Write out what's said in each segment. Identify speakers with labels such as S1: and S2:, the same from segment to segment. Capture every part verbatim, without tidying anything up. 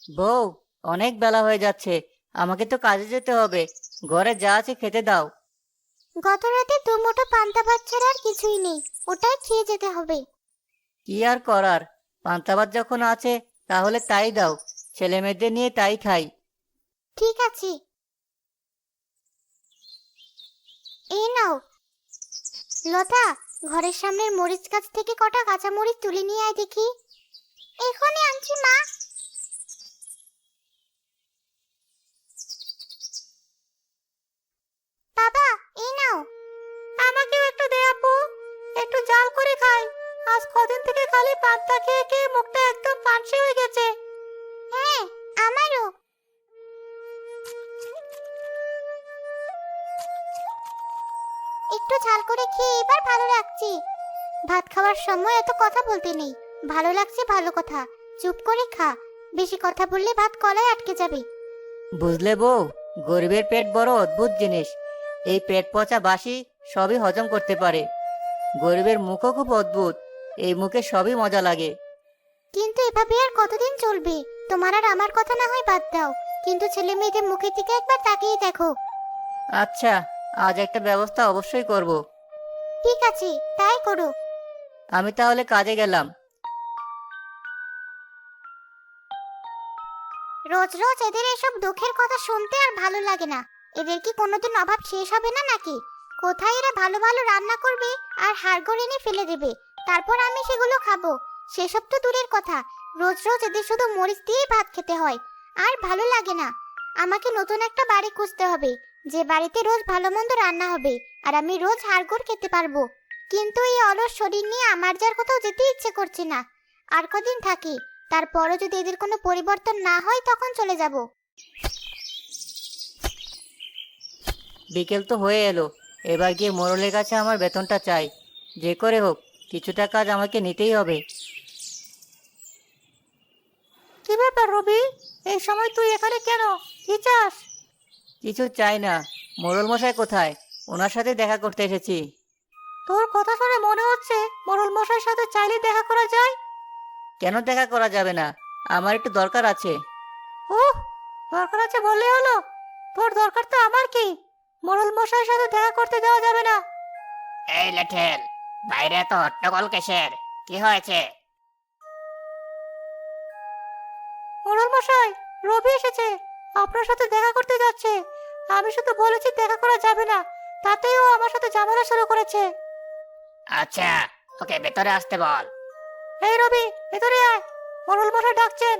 S1: বউ, অনেক বেলা হয়ে যাচ্ছে। আমাকে তো কাজে যেতে হবে। ঘরে যা আছে খেতে দাও।
S2: গত রাতে দুমুঠো পান্তা ভাত ছাড়া আর কিছুই নেই। ওটাই খেয়ে যেতে হবে।
S1: কি আর করার, পান্তা ভাত যখন আছে তাহলে তাই দাও। ছেলে মেয়েদের নিয়ে তাই খাই।
S2: ঠিক আছে, এই নাও। লতা, ঘরের সামনের মরিচ গাছ থেকে কটা কাঁচা মরিচ তুলে নিয়ে আয় দেখি। এখনই আনছি মা। বাবা, এই নাও। আমাকেও একটু দে আপু, একটু জাল করে খাই। আজ কদিন থেকে খালি পান্তা খেয়ে খেয়ে মুখটা একদম পানসে হয়ে গেছে। হ্যাঁ, আমারও। একটু ঝাল করে খেয়ে এবার ভালো লাগছে। ভাত খাওয়ার সময় এত কথা বলতে নেই। ভালো লাগছে ভালো কথা, চুপ করে খা। বেশি কথা বললে ভাত কলায় আটকে যাবে।
S1: বুঝলে বউ, গরিবের পেট বড় অদ্ভুত জিনিস। এই পেট পচা বাসি সবই হজম করতে পারে। গরিবের মুখও খুব অদ্ভুত, এই মুখে সবই মজা লাগে।
S2: কিন্তু এভাবে আর কতদিন চলবে? তোমার আর আমার কথা না হয় বাদ দাও, কিন্তু ছেলে মেয়েদের মুখের দিকে একবার তাকিয়ে দেখো।
S1: আচ্ছা, আজ একটা ব্যবস্থা অবশ্যই করব।
S2: ঠিক আছে, তাই করো।
S1: আমি তাহলে কাজে গেলাম।
S2: রোজ রোজ এদের এসব দুঃখের কথা শুনতে আর ভালো লাগে না। এদের কি কোনোদিন অভাব শেষ হবে না নাকি? কোথায় এরা ভালো ভালো রান্না করবে আর হাড়গোড় এনে ফেলে দেবে, তারপর আমি সেগুলো খাবো। সেসব তো দূরের কথা, রোজ রোজ এদের শুধু মরিচ দিয়েই ভাত খেতে হয়। আর ভালো লাগে না। আমাকে নতুন একটা বাড়ি খুঁজতে হবে, যে বাড়িতে রোজ ভালো মন্দ রান্না হবে আর আমি রোজ হাড়গোড় খেতে পারবো। কিন্তু এই অলস শরীর নিয়ে আমার যার কোথাও যেতে ইচ্ছে করছে না। আর কদিন থাকি, তারপরও যদি এদের কোনো পরিবর্তন না হয় তখন চলে যাব।
S1: বিকেল তো হয়ে এলো। এবার গিয়ে মোড়লের কাছে আমার বেতনটা চাই। যে করে হোক কিছুটা কাজ আমাকে নিতেই হবে। কি ব্যাপার রবি, এই সময় তুই এখানে কেন? কি চাস? কিছু চাই না। মোড়ল মশাই কোথায়? ওনার সাথে দেখা করতে এসেছি। তোর কথা শুনে মনে হচ্ছে মোড়ল মশাইয়ের সাথে চাইলে দেখা করা যায়। কেন দেখা করা যাবে না? আমার একটু দরকার আছে। ওহ, দরকার আছে বললে হলো? তোর দরকার তো আমার কি? মোড়ল মশাইয়ের সাথে দেখা করতে দেওয়া যাবে না।
S3: এই লেঠেল, বাইরে এত হট্টগোল কিসের? কি হয়েছে?
S1: মোড়ল মশাই, রবি এসেছে। আপনার সাথে দেখা করতে যাচ্ছে। আমি শুধু বলেছি দেখা করা যাবে না, তাতেই ও আমার সাথে ঝামেলা শুরু করেছে।
S3: আচ্ছা, ওকে ভেতরে আসতে বল।
S1: এই রবি, ভেতরে আয়। মোড়ল মশাই ডাকছেন।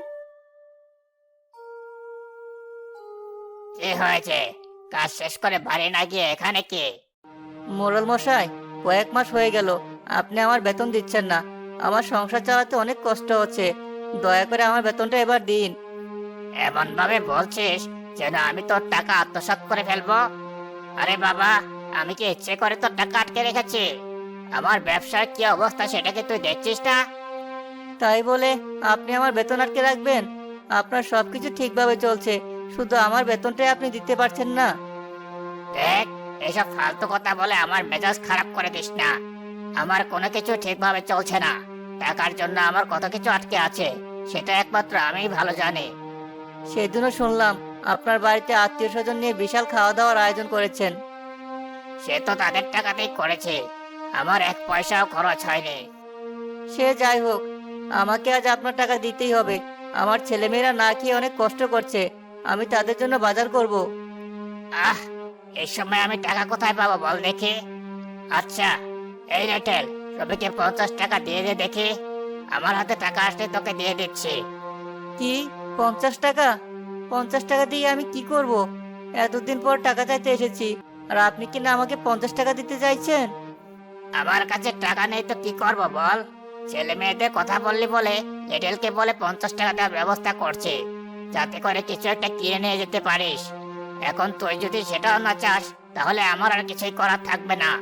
S3: কি হয়েছে? কাজ শেষ করে বাড়ি না গিয়ে এখানে কি?
S1: মোড়ল মশাই, কয়েক মাস হয়ে গেল আপনি আমার বেতন দিচ্ছেন না। আমার সংসার চালাতে অনেক কষ্ট হচ্ছে। দয়া করে আমার বেতনটা এবার দিন।
S3: এমন ভাবে বলছিস যেন আমি তোর টাকা আত্মসাৎ করে ফেলবো। আরে বাবা, আমি কি ইচ্ছে করে তোর টাকা আটকে রেখেছি? আমার ব্যবসার কি অবস্থা সেটা কি তুই দেখছিস না?
S1: তাই বলে আপনি আমার বেতন আটকে রাখবেন? আপনার সবকিছু ঠিকভাবে চলছে, শুধু আমার বেতনটাই আপনি দিতে পারছেন না।
S3: দেখ, এসব ফালতু কথা বলে আমার মেজাজ খারাপ করে দিস না। আমার কোনো কিছু ঠিকভাবে চলছে না। টাকার জন্য আমার কত কিছু আটকে আছে, সেটা একমাত্র আমিই ভালো জানি।
S1: সেদিনও শুনলাম আপনার বাড়িতে আত্মীয় স্বজন নিয়ে বিশাল খাওয়া দাওয়ার আয়োজন করেছেন।
S3: সে তো তাদের টাকাতেই করেছে, আমার এক পয়সাও খরচ হয়নি।
S1: সে যাই হোক, আমাকে আজ আপনার টাকা দিতেই হবে। আমার ছেলেমেয়েরা না খেয়ে অনেক কষ্ট করছে। আমি তাদের জন্য বাজার করব।
S3: আহ, এই সময় আমি টাকা কোথায় পাবো বল দেখি? আচ্ছা, এই রেটেল, রবিকে পঞ্চাশ টাকা দিয়ে দে দেখি। আমার হাতে টাকা আসলে তোকে দিয়ে দিচ্ছি।
S1: কি? পঞ্চাশ টাকা? পঞ্চাশ টাকা দিয়ে আমি কি করব? এতদিন পর টাকা চাইতে এসেছি, আর আপনি কি না আমাকে পঞ্চাশ টাকা দিতে চাইছেন?
S3: আমার কাছে টাকা নেই তো কি করব বল? ছেলে মেয়েদের কথা বললি বলে রেটেলকে বলে পঞ্চাশ টাকা দেওয়ার ব্যবস্থা করছে, যাতে করে কিছু একটা কিনে নিয়ে যেতে পারিস। এখন তুই যদি সেটাও না চাস, তাহলে আমার আর কিছুই করার থাকবে না।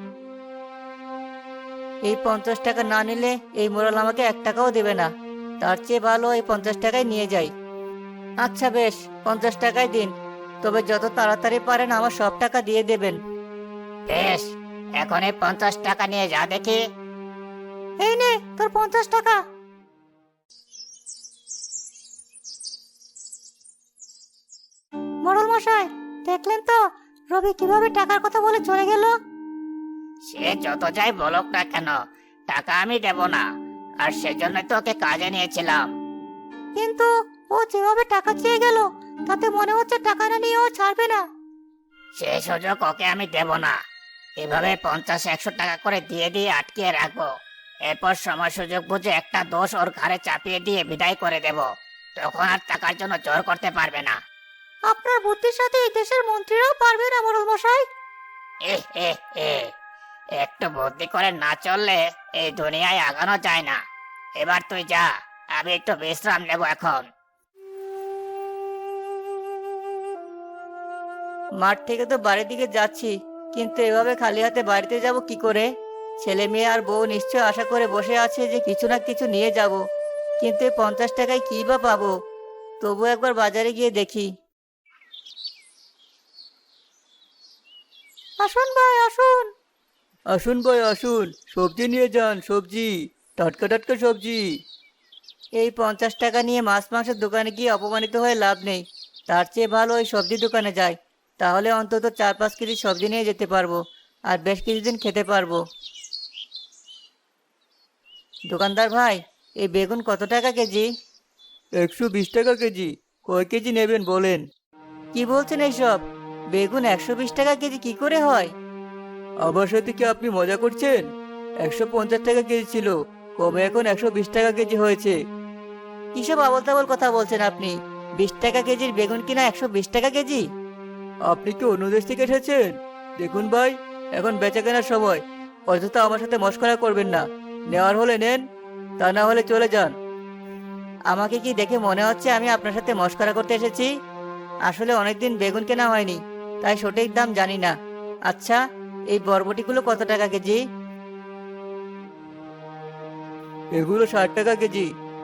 S1: এই পঞ্চাশ টাকা না নিলে এই মোড়ল আমাকে এক টাকাও দেবে না। তার চেয়ে ভালো এই পঞ্চাশ টাকাই নিয়ে যাই। আচ্ছা বেশ, পঞ্চাশ টাকাই দিন। তবে যত তাড়াতাড়ি পারেন আমার সব টাকা দিয়ে দেবেন।
S3: বেশ, এখন এই পঞ্চাশ টাকা নিয়ে যা দেখি।
S1: এই নে তোর পঞ্চাশ টাকা। মোড়ল মশাই, দেখলেন তো রবি কিভাবে টাকার কথা বলে চলে গেল?
S3: সে যত যাই বলুক না কেন, টাকা আমি দেব না। আর সেজন্য তো ওকে কাজে নিয়েছিলাম।
S1: কিন্তু ও যেভাবে টাকা চেয়ে গেল, তাতে মনে হচ্ছে টাকা না নিয়ে ও ছাড়বে না।
S3: সে সুযোগ ওকে আমি দেব না। এভাবে পঞ্চাশ একশো টাকা করে দিয়ে দিয়ে আটকিয়ে রাখবো। এরপর সময় সুযোগ বুঝে একটা দোষ ওর ঘাড়ে চাপিয়ে দিয়ে বিদায় করে দেব। তখন আর টাকার জন্য জোর করতে পারবে না।
S1: আপনার বুদ্ধির সাথে এই দেশের মন্ত্রীরাও পারবে না মোড়ল মশাই।
S3: এ এ এ একটু বুদ্ধি করে না চললে এই দুনিয়ায় আগানো যায় না। এবার তুই যা, আমি একটু বিশ্রাম নেব এখন।
S1: মাঠ থেকে তো বাড়ির দিকে যাচ্ছি, কিন্তু এভাবে খালি হাতে বাড়িতে যাব কি করে? ছেলে মেয়ে আর বউ নিশ্চয় আশা করে বসে আছে যে কিছু না কিছু নিয়ে যাব, কিন্তু এই পঞ্চাশ টাকায় কি বা পাবো? তবু একবার বাজারে গিয়ে দেখি। আসুন ভাই আসুন। আসুন ভাই আসুন, সবজি নিয়ে যান, সবজি, টাটকা টাটকা সবজি। এই পঞ্চাশ টাকা নিয়ে মাছ মাংসের দোকানে গিয়ে অপমানিত হয়ে লাভ নেই। তার চেয়ে ভালো ওই সবজি দোকানে যাই, তাহলে অন্তত চার পাঁচ কেজি সবজি নিয়ে যেতে পারবো আর বেশ কিছুদিন খেতে পারবো। দোকানদার ভাই, এই বেগুন কত টাকা কেজি? একশো বিশ টাকা কেজি। কয় কেজি নেবেন বলেন? কি বলছেন এইসব? বেগুন একশো বিশ টাকা কেজি কি করে হয়? আমার সাথে কি আপনি মজা করছেন? একশো পঞ্চাশ টাকা কেজি ছিল, কমে এখন একশো বিশ টাকা কেজি হয়েছে। কিসব আবল তাবল কথা বলছেন আপনি? বিশ টাকা কেজির বেগুন কিনা একশো বিশ টাকা কেজি? আপনি কি অন্য দেশ থেকে এসেছেন? দেখুন ভাই, এখন বেচা কেনার সময়, অযথা আমার সাথে মশকরা করবেন না। নেওয়ার হলে নেন, তা না হলে চলে যান। আমাকে কি দেখে মনে হচ্ছে আমি আপনার সাথে মশকরা করতে এসেছি? আসলে অনেকদিন বেগুন কেনা হয়নি, তাই সঠিক দাম জানি না। আচ্ছা, এই বরবটিগুলো কত টাকা কেজি? এগুলো ষাট টাকা কেজি।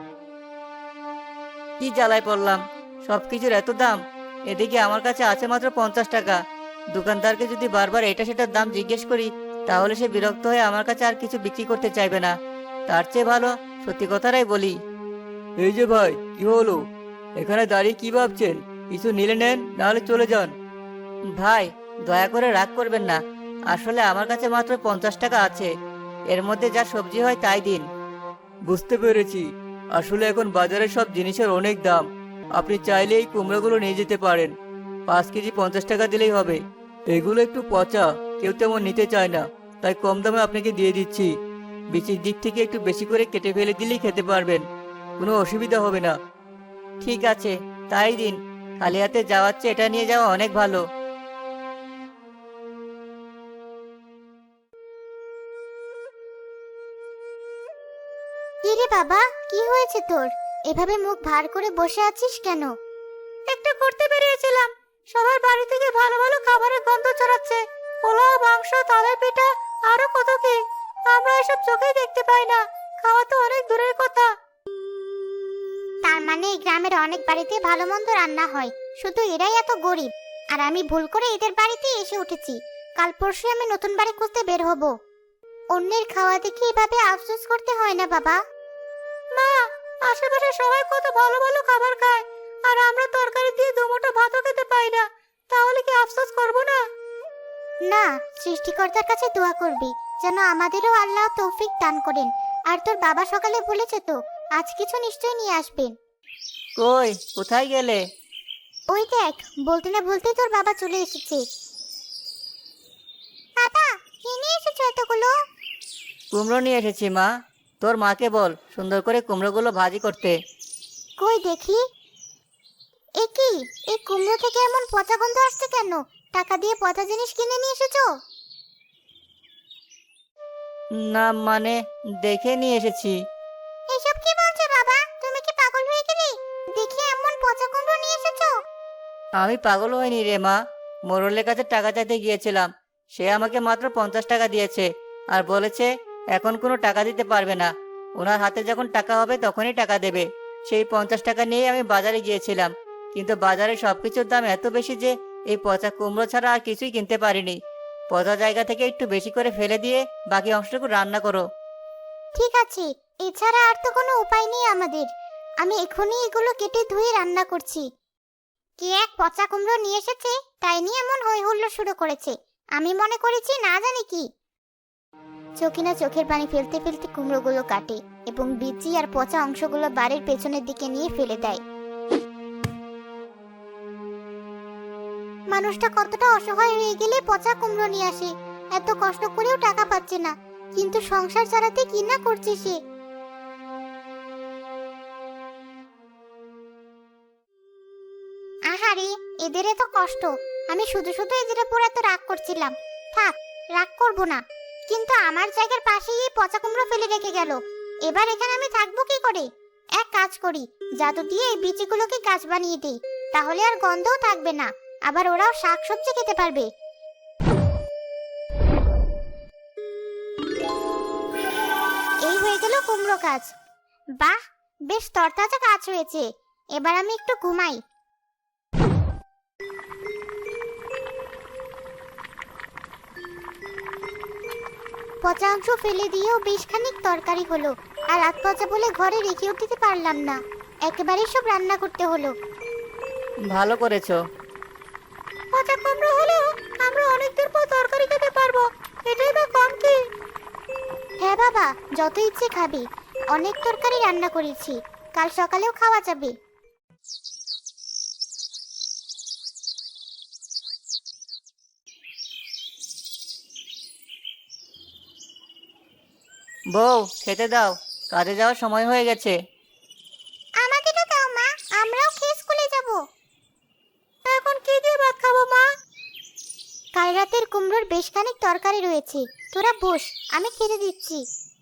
S1: কি জ্বালায় পড়লাম, সবকিছুর এত দাম! এদিকে আমার কাছে আছে মাত্র পঞ্চাশ টাকা। দোকানদারকে যদি বারবার এটা সেটার দাম জিজ্ঞেস করি, তাহলে সে বিরক্ত হয়ে আমার কাছে আর কিছু বিক্রি করতে চাইবে না। তার চেয়ে ভালো সত্যি কথাটাই বলি। এই যে ভাই, কি হলো? এখানে দাঁড়িয়ে কি ভাবছেন? কিছু নিলে নেন, নাহলে চলে যান। ভাই, দয়া করে রাগ করবেন না। আসলে আমার কাছে মাত্র পঞ্চাশ টাকা আছে, এর মধ্যে যা সবজি হয় তাই দিন। বুঝতে পেরেছি। আসলে এখন বাজারে সব জিনিসের অনেক দাম। আপনি চাইলে এই কুমড়োগুলো নিয়ে যেতে পারেন, পাঁচ কেজি পঞ্চাশ টাকা দিলেই হবে। এগুলো একটু পচা, কেউ তেমন নিতে চায় না, তাই কম দামে আপনাকে দিয়ে দিচ্ছি। বিচির দিক থেকে একটু বেশি করে কেটে ফেলে দিলেই খেতে পারবেন, কোনো অসুবিধা হবে না। ঠিক আছে, তাই দিন। খালি হাতে যাওয়ার চেয়ে এটা নিয়ে যাওয়া অনেক ভালো।
S2: কি রে বাবা, কি হয়েছে তোর? এভাবে মুখ ভার করে বসে আছিস কেন?
S1: একটা করতে বেরিয়েছিলাম, সবার বাড়ি থেকে ভালো ভালো খাবারের গন্ধ ছড়াচ্ছে। পোলাও, মাংস, তালের পিঠা, আরো কত কি! আমরা এসব চোখেই দেখতে পাই না, খাওয়া তো অনেক দূরের কথা।
S2: তার মানে এই গ্রামের অনেক বাড়িতে ভালো মন্দ রান্না হয়, শুধু এরাই এত গরিব। আর আমি ভুল করে এদের বাড়িতে এসে উঠেছি। কাল পরশু আমি নতুন বাড়ি খুঁজতে বের হব। অন্যের খাওয়া দেখে এভাবে আফসোস করতে হয় না বাবা।
S1: মা, আশেপাশে সবাই কত ভালো ভালো খাবার খায়, আর আমরা তরকারি দিয়ে দুমুঠো ভাতও খেতে পাই না। তাহলে কি আফসোস করব না?
S2: না, সৃষ্টিকর্তার কাছে দোয়া করবি যেন আমাদেরও আল্লাহ তৌফিক দান করেন। আর তোর বাবা সকালে বলেছে তো আজ কিছু নিশ্চয়ই নিয়ে আসবেন।
S1: কই, কোথায় গেলে?
S2: ওই দেখ, বলতে না বলতেই তোর বাবা চলে এসেছে। বাবা, কি নিয়ে এসেছো এতগুলো?
S1: কুমড়ো নিয়ে এসেছি মা। তোর মাকে বল সুন্দর করে কুমড়োগুলো ভাজি করতে।
S2: কই দেখি। এ কি, এই কুমড়ো থেকে এমন পচা গন্ধ আসছে কেন? টাকা দিয়ে পচা জিনিস কিনে নিয়ে এসেছো?
S1: না মানে, দেখে নিয়ে এসেছি।
S2: এসব কি বলছো বাবা? তুমি কি পাগল হয়ে গেলে? দেখি এমন পচা কুমড়ো নিয়ে এসেছো।
S1: আমি পাগল হইনি রে মা, মোড়লের কাছে টাকা চাইতে গিয়েছিলাম। সে আমাকে মাত্র পঞ্চাশ টাকা দিয়েছে আর বলেছে এখন কোনো টাকা দিতে পারবে না, ওনার হাতে যখন টাকা হবে তখনই টাকা দেবে। সেই পঞ্চাশ টাকা নিয়ে আমি বাজারে গিয়েছিলাম, কিন্তু বাজারে সবকিছুর দাম এত বেশি যে এই পচা কুমড়ো ছাড়া আর কিছুই কিনতে পারিনি। পচা জায়গা থেকে একটু বেশি করে ফেলে দিয়ে বাকি অংশটুকু রান্না করো।
S2: ঠিক আছে, এছাড়া আর তো কোনো উপায় নেই আমাদের। আমি এখনই এগুলো কেটে ধুয়ে রান্না করছি। কে এক পচা কুমড়ো নিয়ে এসেছে, তাই নিয়ে এমন হই হুল্লোড় শুরু করেছে। আমি মনে করেছি না জানি কি। চকিনা চোখের পানি ফেলতে ফেলতে কুমড়োগুলো কাটে এবং বিচি আর পচা অংশগুলো বাড়ির পেছনের দিকে নিয়ে ফেলে দেয়। মানুষটা কতটা অসহায় হয়ে গেলে পচা কুমড়ো নিয়ে আসে। এত কষ্ট করেও টাকা পাচ্ছে না, কিন্তু সংসার চালাতে কি না করছে সে। আহারে, এদের এত কষ্ট, আমি শুধু শুধু এদের উপর এত রাগ করছিলাম। থাক, রাগ করব না। কিন্তু আমার জায়গার পাশেই এই পচা কুমড়ো ফেলে রেখে গেল। এবার এখানে আমি থাকবো কি করে? এক কাজ করি, জাদু দিয়ে এই বীজগুলোকে গাছ বানিয়ে দিই, তাহলে আর গন্ধও থাকবে না, আবার ওরাও শাকসবজি খেতে পারবে। এই হয়ে গেল কুমড়ো গাছ। বাহ, বেশ তরতাজা গাছ হয়েছে। এবার আমি একটু ঘুমাই। পচা অংশ ফেলে দিয়েও বেশ খানিক তরকারি হলো, আর রাত পচা বলে ঘরে রেখেও দিতে পারলাম না, একেবারে সব রান্না করতে হলো।
S1: ভালো করেছো।
S2: পচা কুমড়ো হলো, আমরা অনেকদিন পর তরকারি খেতে পারবো, এটাই বা কম কি? হ্যাঁ বাবা, যত ইচ্ছে খাবি। অনেক তরকারি রান্না করেছি, কাল সকালেও খাওয়া যাবে।
S1: বউ, খেতে দাও, কাজে যাওয়ার সময় হয়ে গেছে।
S2: আমাদেরও দাও মা, আমরাও খেয়ে স্কুলে যাব। এখন কি দিয়ে ভাত খাবো মা? কাল রাতের কুমড়োর বেশ খানিক তরকারি রয়েছে, তোরা বস, আমি খেতে দিচ্ছি।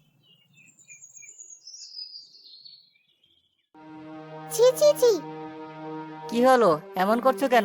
S2: ছি ছি ছি।
S1: কি হলো, এমন করছো কেন?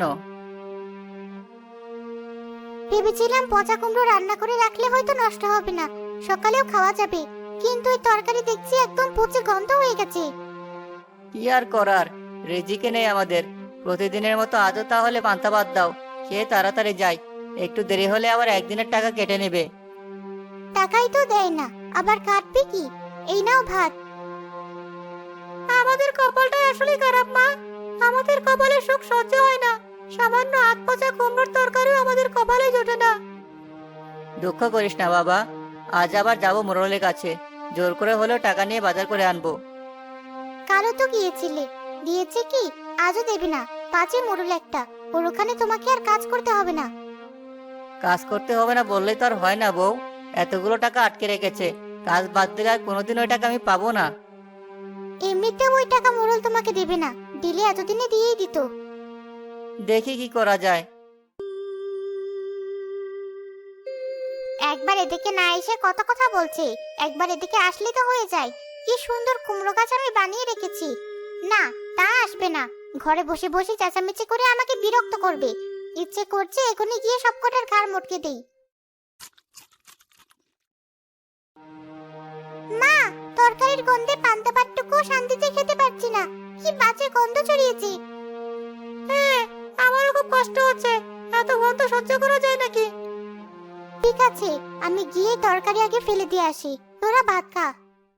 S2: ভেবেছিলাম পচা কুমড়ো রান্না করে রাখলে হয়তো নষ্ট হবে না, সকালেও খাওয়া যাবে, কিন্তু এই তরকারি দেখছি একদম পচে গন্ধ হয়ে গেছে।
S1: কি আর করার, রেজিকে নেই আমাদের। প্রতিদিনের মতো আজও তাহলে পান্তা ভাত দাও, খেয়ে তাড়াতাড়ি যাই। একটু দেরি হলে আবার একদিনের টাকা কেটে নেবে।
S2: টাকাই তো দেয় না, আবার কাটবে কি? এই নাও ভাত। আমাদের কপালটাই আসলে খারাপ মা, আমাদের কপালে সুখ সহ্য হয় না, সামান্য আধ পচা কুমড়োর তরকারিও আমাদের কপালে জোটে না।
S1: দুঃখ করিস না বাবা, আজ আবার যাবো মোড়লের কাছে, জোর করে হলেও টাকা নিয়ে বাজার করে আনবো।
S2: কালও তো গিয়েছিলে, দিয়েছে কি? আজও দেবে না? পাঁচে মোড়ল একটা, ওর ওখানে তোমাকে আর কাজ করতে হবে না।
S1: কাজ করতে হবে না বললেই তো আর হয় না বউ, এতগুলো টাকা আটকে রেখেছে, কাজ বাদ দিলে আর কোনোদিন ওই টাকা আমি পাবো না।
S2: এমনিতে ওই টাকা মোড়ল তোমাকে দেবে না, দিলে এতদিনে দিয়েই দিত।
S1: দেখি কি করা যায়।
S2: একবার এদিকে না এসে কত কথা বলছে, একবার এদিকে আসলে তো হয়ে যায়। কি সুন্দর কুমড়ো গাছ আমি বানিয়ে রেখেছি। না, তা আসবে না, ঘরে বসে বসে চেঁচামেচি করে আমাকে বিরক্ত করবে। ইচ্ছে করছে এখনই গিয়ে সবকটার ঘাড় মটকে দেই। মা, তরকারির গন্ধে পান্তা ভাতটুকু শান্তিতে খেতে পারছি না, কি বাজে গন্ধ ছড়িয়েছে। হ্যাঁ, আমারও খুব কষ্ট হচ্ছে, এত গন্ধ সহ্য করা যায় নাকি? ঠিক আছে, আমি গিয়ে তরকারি আগে ফেলে দিয়ে আসি, তোরা ভাত খা।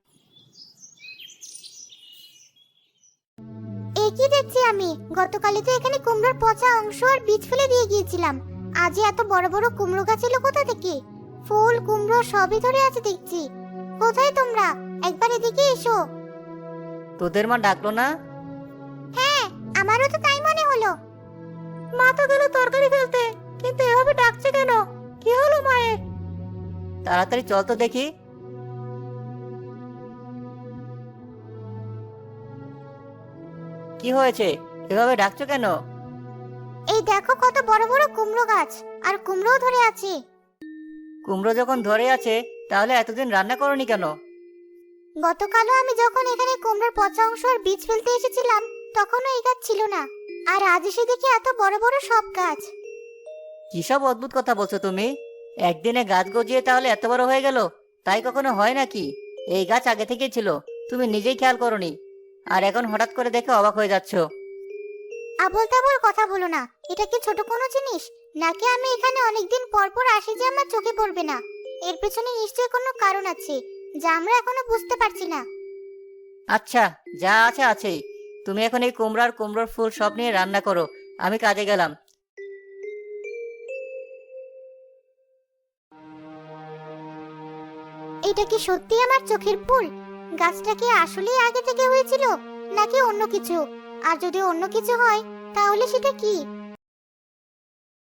S2: এই কি দেখছি আমি, গতকালে তো এখানে কুমড়োর পচা অংশ আর বীজ ফেলে দিয়ে গিয়েছিলাম, আজই এত বড় বড় কুমড়ো গাছ এলো কোথা থেকে? ফুল কুমড়ো সবই ধরে আছে দেখছি। কোথায় তোমরা? একবার এদিকে এসো।
S1: তোদের মা ডাকলো না?
S2: হ্যাঁ, আমারও তো তাই মনে হলো। মা তো গেল তরকারি ফেলতে, কিন্তু এভাবে ডাকছে কেন? কি হলো মায়ের?
S1: তাড়াতাড়ি চল তো দেখি। কি হয়েছে, এভাবে ডাকছো কেন?
S2: এই দেখো কত বড় বড় কুমড়ো গাছ, আর কুমড়োও ধরে আছে।
S1: কুমড়ো যখন ধরে আছে, তাহলে এতদিন রান্না করনি কেন?
S2: গতকালও আমি যখন এখানে কুমড়োর পচা অংশ আর বীজ ফেলতে এসেছিলাম, তখনও এই গাছ ছিল না, আর আজ এসে দেখি এত বড় বড় সব গাছ।
S1: কি সব অদ্ভুত কথা বলছো তুমি? একদিনে গাছ গজিয়ে তাহলে এত বড় হয়ে গেল, তাই কখনো হয় নাকি? এই গাছ আগে থেকেই ছিল, তুমি নিজেই খেয়াল করনি, আর এখন হঠাৎ করে দেখে অবাক হয়ে যাচ্ছ।
S2: আবল তাবল কথা বলো না, এটা কি ছোট কোনো জিনিস নাকি? আমি এখানে অনেকদিন পর পর আসি যে আমার চোখে পড়বে না? এর পেছনে নিশ্চয়ই কোনো কারণ আছে, যা আমরা এখনো বুঝতে পারছি না।
S1: আচ্ছা, যা আছে আছেই। তুমি এখন এই কুমড়ার কুমড়োর ফুল সব নিয়ে রান্না করো, আমি কাজে গেলাম।
S2: এটা কি সত্যি আমার চোখের ভুল? গাছটা কি আসলেই আগে থেকে হয়েছিল নাকি অন্য কিছু? আর যদি অন্য কিছু হয় তাহলে সেটা কি?